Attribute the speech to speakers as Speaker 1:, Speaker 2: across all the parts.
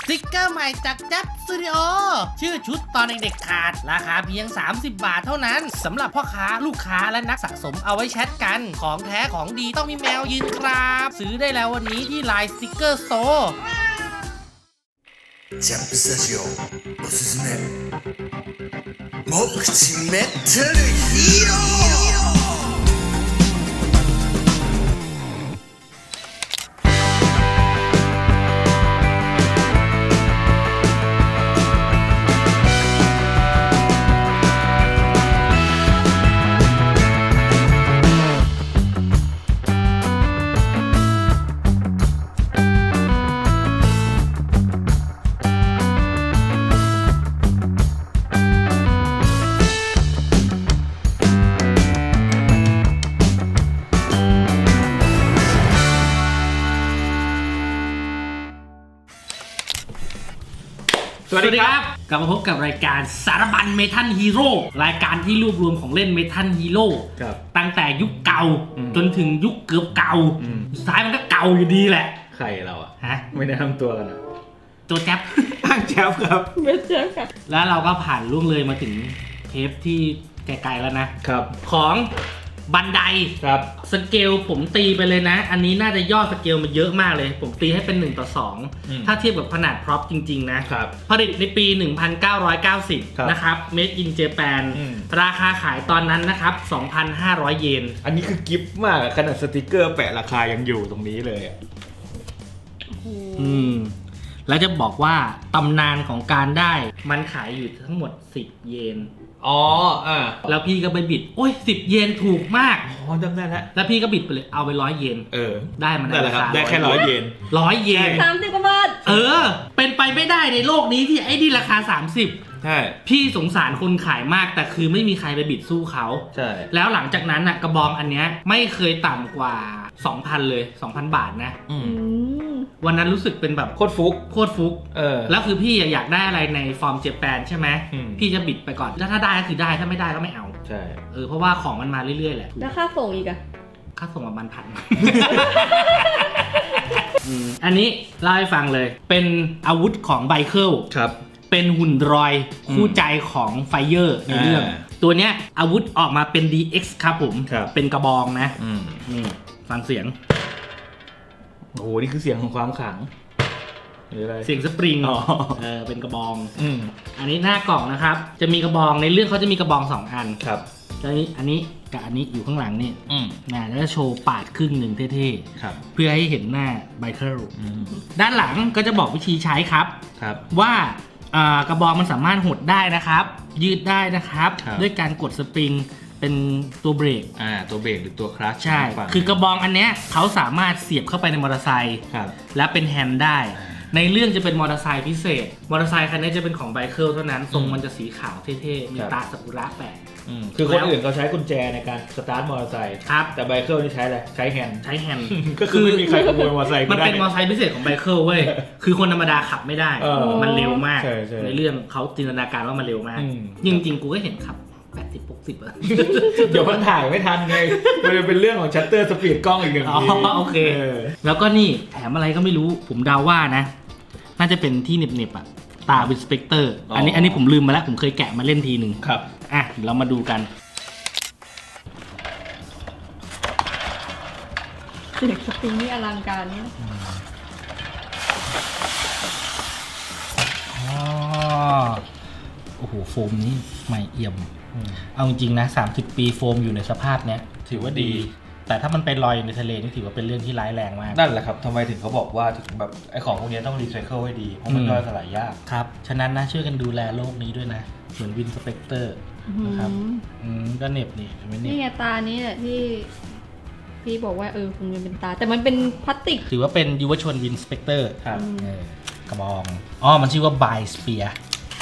Speaker 1: สติกเกอร์ใหม่จากแจ๊บสตูดิโอชื่อชุดตอนเด็กๆขาดราคาเพียง30 บาทเท่านั้นสำหรับพ่อค้าลูกค้าและนักสะสมเอาไว้แชทกันของแท้ของดีต้องมีแมวยืนครับซื้อได้แล้ววันนี้ที่ไลน์สติกเกอร์สโตร์
Speaker 2: ジャンプスタジオおすすめ目口メタルヒーロー
Speaker 1: สวัสดีครับกลับมาพบกับรายการสารบัญเมทัลฮีโร่รายการที่รวบรวมของเล่นเมทัลฮีโร่ตั้งแต่ยุคเก่าจนถึงยุคเกือบเก่าสุดท้ายมันก็เก่าอยู่ดีแหละ
Speaker 3: ใครเราอะ
Speaker 1: ฮะ
Speaker 3: ไม่ได้ทำตัวกันอะ
Speaker 1: ตัวแจ๊บ
Speaker 3: ตั้งแจ๊บครับ
Speaker 4: ไม่แจ๊บครับ
Speaker 1: แล้วเราก็ผ่านล่วงเลยมาถึงเทปที่ไกลๆแล้วนะครับของบันได
Speaker 3: ครับ
Speaker 1: สเกลผมตีไปเลยนะอันนี้น่าจะย่อสเกลมาเยอะมากเลยผมตีให้เป็น1:2ถ้าเทียบกับขนาดพร็อพจริงๆนะครับผลิตในปี 1990 นะครับ Made in Japan ราคาขายตอนนั้นนะครับ 2,500 เยน
Speaker 3: อันนี้คือกิฟต์มากขนาดสติกเกอร์แปะราคายังอยู่ตรงนี้เลย
Speaker 1: แล้วจะบอกว่าตำนานของการได้มันขายอยู่ทั้งหมด10 เยนแล้วพี่ก็ไปบิดโอ้ย10 เยนถูกมาก
Speaker 3: จำได้
Speaker 1: แล้วพี่ก็บิดไปเลยเอาไป100 เยนได้มัน
Speaker 3: ได้ราคาได้แค่100 เยน
Speaker 1: 100 เยน
Speaker 4: 30 กว่าบาท
Speaker 1: เป็นไปไม่ได้ในโลกนี้ที่ไอ้นี่ราคา30ใช่พี่สงสารคนขายมากแต่คือไม่มีใครไปบิดสู้เขา
Speaker 3: ใช่
Speaker 1: แล้วหลังจากนั้นน่ะกระบองอันเนี้ยไม่เคยต่ำกว่า 2,000 เลย 2,000 บาทนะวันนั้นรู้สึกเป็นแบบ
Speaker 3: โคตรฟุก
Speaker 1: แล้วคือพี่อยากได้อะไรในฟอร์มเจแปนใช่ไหมพี่จะบิดไปก่อนถ้าได้ก็คือได้ถ้าไม่ได้ก็ไม่เอา
Speaker 3: ใช่
Speaker 1: เพราะว่าของมันมาเรื่อยๆแหละ
Speaker 4: แล้วค่าส่งอีกอะ
Speaker 1: ค่าส่งประมาณ1,000 อันนี้เล่าให้ฟังเลยเป็นอาวุธของไบเคิล
Speaker 3: ครับ
Speaker 1: เป็นหุ่นรอยคู่ใจของไฟเยอร์ในเรื่องตัวเนี้ยอาวุธออกมาเป็น DX ครับผมเป็นกระบองนะนี่ฟังเสียง
Speaker 3: โอ้โหนี่คือเสียงของความขลัง
Speaker 1: เสียงสปริงเป็นกระบองอันนี้หน้ากล่องนะครับจะมีกระบองในเรื่องเขาจะมีกระบอง2 อัน
Speaker 3: ครับ
Speaker 1: อันนี้กับอันนี้อยู่ข้างหลังนี่แล้วจะโชว์ปาดครึ่งหนึ่งเท่ๆเพื่อให้เห็นหน้าไบเคิลด้านหลังก็จะบอกวิธีใช้ครับว่ากระบองมันสามารถหดได้นะครับยืดได้นะครับด้วยการกดสปริงเป็นตัวเบรก
Speaker 3: ตัวเบรกหรือตัวคลัตช์
Speaker 1: ใช่คือกระบองอันเนี้ยเขาสามารถเสียบเข้าไปในมอเตอร์ไซค์และเป็นแฮนด์ได้ในเรื่องจะเป็นมอเตอร์ไซค์พิเศษมอเตอร์ไซค์คันนี้จะเป็นของไบเคิลเท่านั้นทรงมันจะสีขาวเท่ๆมีตาซากุระแปะ
Speaker 3: คือคนอื่นเขาใช้กุญแจในการสตาร์ทมอเตอร์ไซค์แต่ไบเคิลนี่ใช้อะไรใช้แฮนด์ก็คือไม่มีใครขโมยมอเตอร์ไซค์
Speaker 1: มันเป็นมอเตอร์ไซค์พิเศษของไบเคิลเว้ยคือคนธรรมดาขับไม่ได้มันเร็วมากในเรื่องเขาจินตนาการว่ามันเร็วมากจริงๆกูก็เห็นขับ80-60
Speaker 3: เดี๋ยวมันถ่ายไม่ทันไงมันเป็นเรื่องของชัตเตอร์สปีดกล้องอีกหนึ่งที
Speaker 1: โอเคแล้วก็นี่แถมอะไรก็ไม่รู้ผมเดาว่านะน่าจะเป็นที่เน็บตาวินสเปกเตอร์อันนี้ผมลืมมาแล้วผมเคยแกะมาเล่นทีหนึ่ง
Speaker 3: ครับ
Speaker 1: เรามาดูกัน
Speaker 4: เสียงสปริงนี่อลังการเนี่ย
Speaker 1: โอ้โหโฟมนี้ใหม่เอี่ยมเอาจริงๆนะ30 ปีโฟมอยู่ในสภาพเนี้ย
Speaker 3: ถือว่าดี
Speaker 1: แต่ถ้ามันไปลอยในทะเลนี่ถือว่าเป็นเรื่องที่ร้ายแรงมาก
Speaker 3: นั่นแหละครับทำไมถึงเขาบอกว่าถึงแบบไอ้ของพวกนี้ต้องรีไซเคิลให้ดีเพราะมันย่อยสลายยาก
Speaker 1: ครับฉะนั้นนะช่วยกันดูแลโลกนี้ด้วยนะเหมือนวินสเปกเตอร์นะครับก็เน็บ
Speaker 4: นี่ไงตานี้แหละที่พี่บอกว่าคงเป็นตาแต่มันเป็นพลาสติก
Speaker 1: ถือว่าเป็นยุวชนวินสเปกเตอร์
Speaker 3: ครับ
Speaker 1: กระบองมันชื่อว่าไบสเปียร์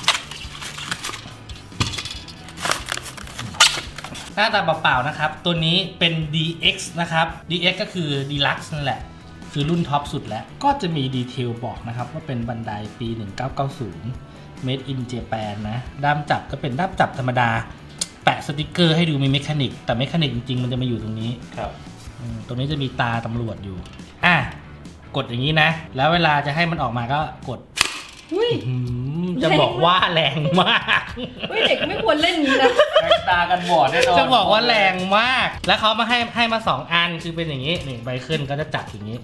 Speaker 1: หน้าตาเปล่าๆนะครับตัวนี้เป็น DX นะครับ DX ก็คือ Deluxe นั่นแหละคือรุ่นท็อปสุดแล้วก็จะมีดีเทลบอกนะครับว่าเป็นบันไดปี 1990 Made in Japan นะด้ามจับก็เป็นด้ามจับธรรมดาแปะสติกเกอร์ให้ดูมีเมคานิกแต่เมคานิกจริงๆมันจะมาอยู่ตรงนี้
Speaker 3: ครับ
Speaker 1: ตรงนี้จะมีตาตำรวจอยู่กดอย่างนี้นะแล้วเวลาจะให้มันออกมาก็กด
Speaker 4: อุ้ย
Speaker 1: จะบอกว่าแรงมาก
Speaker 4: เฮ้ยเด็กไม่ควรเล่นนี้นะ
Speaker 3: แตกตากันบอดแน่นอน
Speaker 1: จะบอกว่าแรงมาก แล้วเขามาให้มา2 อันคือเป็นอย่างนี้นี่ไบเคิลก็จะจับอย่างนี้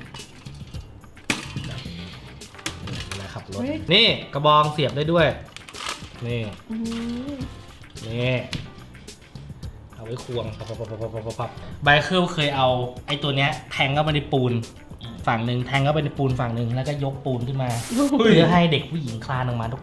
Speaker 1: เวลาขับรถนี่กระบองเสียบได้ด้วยนี่
Speaker 4: อืม
Speaker 1: นี่เอาไว้ควงพับไบเคิลเคยเอาไอ้ตัวเนี้ยแทงเข้าไปในปูนฝั่งหนึ่งแทงเข้าไปในปูนฝั่งหนึ่งแล้วก็ยกปูนขึ้นมาเพื่อให้เด็กผู้หญิงคลานออกมาดุก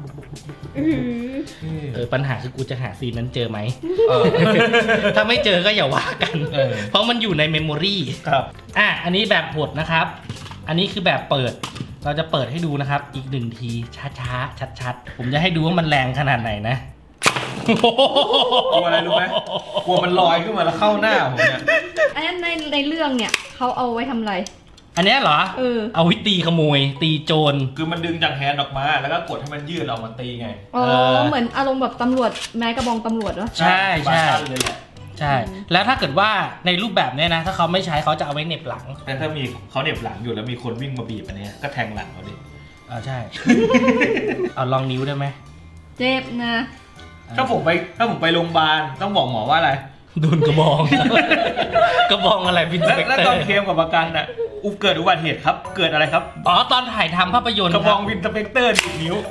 Speaker 1: ปัญหาคือกูจะหาซีนนั้นเจอไหม ถ้าไม่เจอก็อย่าว่ากัน เพราะมันอยู่ในเมมโมรี
Speaker 3: ครับ
Speaker 1: อันนี้แบบหดนะครับ อันนี้คือแบบเปิด เราจะเปิดให้ดูนะครับ อีก1 ทีช้าๆชัดๆผมจะให้ดูว่ามันแรงขนาดไหนนะ
Speaker 3: กลัวอะไรรู้ไหมกลัวมันลอยขึ้นมาแล้วเข้าหน้าผมเนี่ย
Speaker 4: อันนั้นในเรื่องเนี่ยเขาเอาไว้ทำอะไร
Speaker 1: อันเนี้ยเหรอ เอาไว้ตีขโมย ตีโจร
Speaker 3: คือมันดึงจากแฮนด์ออกมาแล้วก็กดให้มันยืดออกมาตีไง
Speaker 4: อ๋อ เหมือนอารมณ์แบบตำรวจแม้กระบองตำรวจเหรอ
Speaker 1: ใช่ใช่
Speaker 3: บาซันเลยแหละ
Speaker 1: ใช่ แล้วถ้าเกิดว่าในรูปแบบเนี้ยนะ ถ้าเขาไม่ใช้เขาจะเอาไว้เหน็บหลัง
Speaker 3: แต่ถ้ามีเขาเหน็บหลังอยู่แล้วมีคนวิ่งมาบีบอันเนี้ยก็แทงหลังเขาดิ
Speaker 1: ใช่ เอาลองนิ้วได้ไหม
Speaker 4: เจ็บนะ
Speaker 3: ถ้าผมไปโรงพยาบาลต้องบอกหมอว่าอะไร
Speaker 1: โดนกระบอง กระบองอะไรพินสเปก
Speaker 3: แล้ว
Speaker 1: เตอ
Speaker 3: ตอน
Speaker 1: ร์
Speaker 3: เคลมกับประกันอ่ะเกิดอุบัติเหตุครับ เกิดอะไรครับ
Speaker 1: ตอนถ่ายทำภาพยนตร์
Speaker 3: กระบองวินสเปกเตอร์ดีดนิ้ว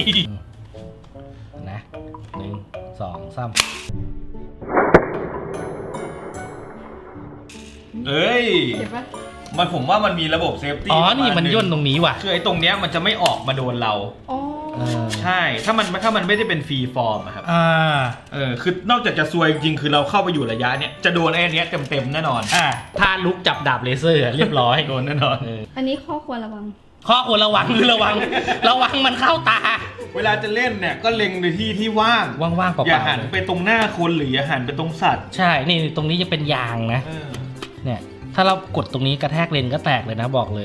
Speaker 1: นะ1 2 3
Speaker 3: เอ้ย
Speaker 4: เจ็บปะ
Speaker 3: ผมว่ามันมีระบบเซฟตี้
Speaker 1: นี่มันย่นตรงนี้ว่ะ
Speaker 3: คือไอ้ตรงเนี้ยมันจะไม่ออกมาโดนเรา
Speaker 4: อ๋อ
Speaker 3: ใช่ ถ้ามันไม่ได้เป็นฟรีฟอร์มอะครับ คือนอกจากจะซวยจริงๆคือเราเข้าไปอยู่ระยะเนี้ยจะโดนไอ้เนี้ยเต็มแน่นอน
Speaker 1: ถ้าลุกจับดาบเลเซอร์เรียบร้อย
Speaker 3: โดนแน่นอน
Speaker 4: อันนี้ข้อควรระวัง
Speaker 1: ข้อควรระวังคือระวังมันเข้าตา
Speaker 3: เวลาจะเล่นเนี่ยก็เล็งในที่ที่ว่าง
Speaker 1: ว่างๆเปล่าๆ
Speaker 3: อย่าหันไปตรงหน้าคนหรืออย่าหันไปตรงสัตว์
Speaker 1: ใช่ นี่ตรงนี้จะเป็นยางนะ เนี่ย ถ้าเรากดตรงนี้กระแทกเลนก็แตกเลยนะบอกเลย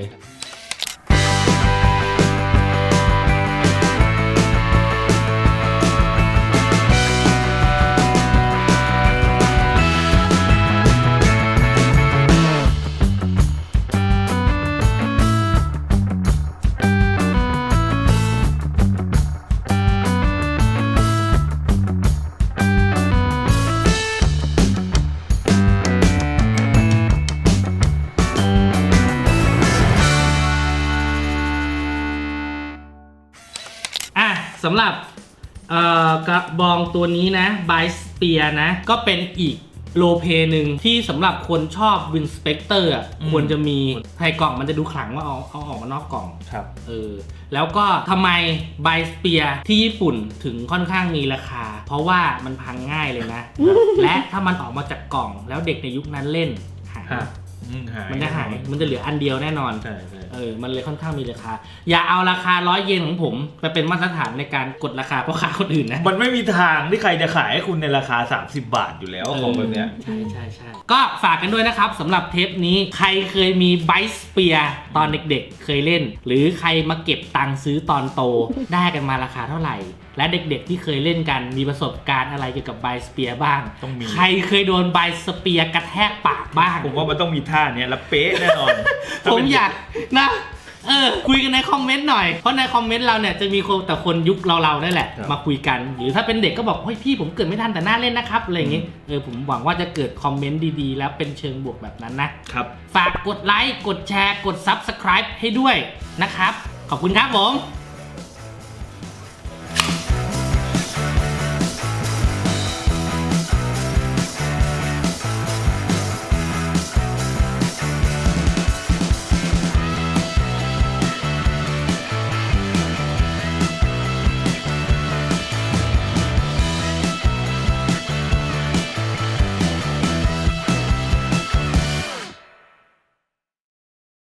Speaker 1: สำหรับกระบองตัวนี้นะไบสเปียนะ ก็เป็นอีกโลเพหนึ่งที่สำหรับคนชอบวินสเปกเตอร์ควรจะมีภายกล่องมันจะดูขลังว่าเอาออกมานอกกล่อง
Speaker 3: ครับ
Speaker 1: แล้วก็ทำไมไบสเปียที่ญี่ปุ่นถึงค่อนข้างมีราคา เพราะว่ามันพังง่ายเลยนะ และถ้ามันออกมาจากกล่องแล้วเด็กในยุคนั้นเล่นหายมันจะหาย มันจะเหลืออันเดียวแน่นอน
Speaker 3: ใช่
Speaker 1: มันเลยค่อนข้างมีราคา อย่าเอาราคา100 เยนของผมไปเป็นมาตรฐานในการกดราคาพ่อค้าคนอื่นนะ
Speaker 3: มันไม่มีทางที่ใครจะขายให้คุณในราคา30 บาทอยู่แล้วของแบบเนี้ย
Speaker 1: ใช่ก็ฝากกันด้วยนะครับสำหรับเทปนี้ใครเคยมีไบสเปียตอนเด็กๆเคยเล่น หรือใครมาเก็บตังค์ซื้อตอนโต ได้กันมาราคาเท่าไหร่ และเด็กๆที่เคยเล่นกันมีประสบการณ์อะไรเกี่ยวกับไบสเปียบ้าง
Speaker 3: ต้องมี
Speaker 1: ใครเคยโดนไบสเปียกระแทกปากบ้าง
Speaker 3: ผมว่ามันต้องมีท่าเนี้ยแล้วเป๊ะแน่นอน
Speaker 1: ผมอยากนะ คุยกันในคอมเมนต์หน่อย เพราะในคอมเมนต์เราเนี่ยจะมีคนแต่คนยุคเราๆนั่นแหละ
Speaker 3: ครับ
Speaker 1: มาคุยกัน หรือถ้าเป็นเด็กก็บอกเฮ้ยพี่ผมเกิดไม่ทันแต่น่าเล่นนะครับอะไรอย่างงี้ผมหวังว่าจะเกิดคอมเมนต์ดีๆแล้วเป็นเชิงบวกแบบนั้นนะครับ ฝากกดไลค์กดแชร์กด Subscribe ให้ด้วยนะครับขอบคุณครับผม